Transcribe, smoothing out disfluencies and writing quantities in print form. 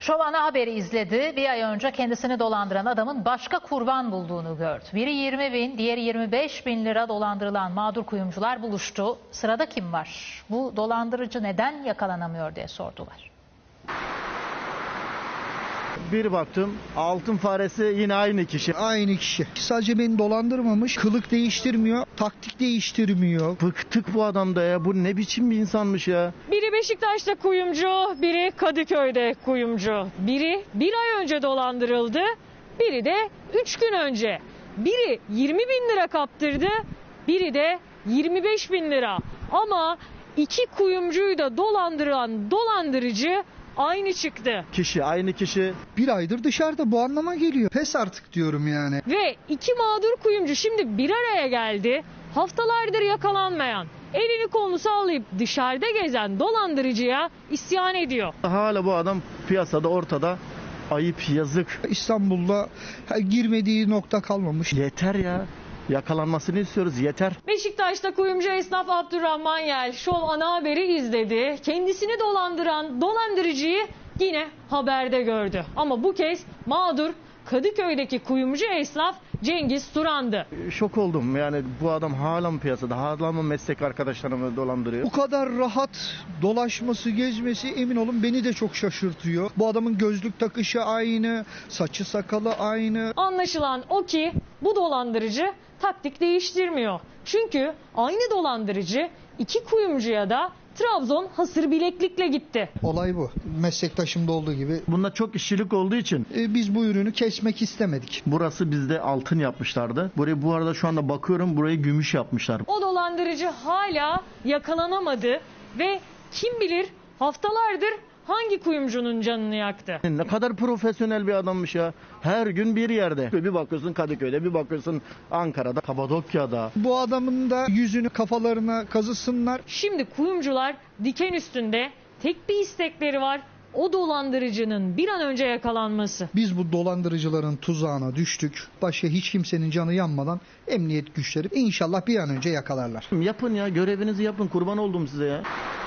Şov ana haberi izledi. Bir ay önce kendisini dolandıran adamın başka kurban bulduğunu gördü. Biri 20 bin, diğeri 25 bin lira dolandırılan mağdur kuyumcular buluştu. Sırada kim var? Bu dolandırıcı neden yakalanamıyor diye sordular. Bir baktım altın faresi yine aynı kişi. Aynı kişi. Sadece beni dolandırmamış, kılık değiştirmiyor, taktik değiştirmiyor. Bıktık bu adamda ya. Bu ne biçim bir insanmış ya. Biri Beşiktaş'ta kuyumcu, biri Kadıköy'de kuyumcu. Biri bir ay önce dolandırıldı, biri de 3 gün önce. Biri 20 bin lira kaptırdı, biri de 25 bin lira. Ama iki kuyumcuyu da dolandıran dolandırıcı aynı çıktı. Aynı kişi. Bir aydır dışarıda, bu anlama geliyor. Pes artık diyorum yani. Ve iki mağdur kuyumcu şimdi bir araya geldi. Haftalardır yakalanmayan, elini kolunu sallayıp dışarıda gezen dolandırıcıya isyan ediyor. Hala bu adam piyasada, ortada. Ayıp, yazık. İstanbul'da girmediği nokta kalmamış. Yeter ya. Yakalanmasını istiyoruz, yeter. Beşiktaş'ta kuyumcu esnaf Abdurrahman Yel Şov ana haberi izledi. Kendisini dolandıran dolandırıcıyı yine haberde gördü. Ama bu kez mağdur Kadıköy'deki kuyumcu esnaf Cengiz Turan'dı. Şok oldum yani, bu adam hala mı piyasada, hala mı meslek arkadaşlarımı dolandırıyor? Bu kadar rahat dolaşması, gezmesi emin olun beni de çok şaşırtıyor. Bu adamın gözlük takışı aynı, saçı sakalı aynı. Anlaşılan o ki bu dolandırıcı taktik değiştirmiyor. Çünkü aynı dolandırıcı iki kuyumcuya da Trabzon hasır bileklikle gitti. Olay bu. Meslektaşımda olduğu gibi. Bunda çok işçilik olduğu için Biz bu ürünü kesmek istemedik. burası bizde altın yapmışlardı. Burayı bu arada şu anda bakıyorum, burayı gümüş yapmışlar. O dolandırıcı hala yakalanamadı ve kim bilir haftalardır hangi kuyumcunun canını yaktı. Ne kadar profesyonel bir adammış ya. Her gün bir yerde. Bir bakıyorsun Kadıköy'de, bir bakıyorsun Ankara'da, Kapadokya'da. Bu adamın da yüzünü kafalarına kazısınlar. Şimdi kuyumcular diken üstünde, tek bir istekleri var: o dolandırıcının bir an önce yakalanması. Biz bu dolandırıcıların tuzağına düştük. Başka hiç kimsenin canı yanmadan emniyet güçleri inşallah bir an önce yakalarlar. Yapın ya, görevinizi yapın, kurban oldum size ya.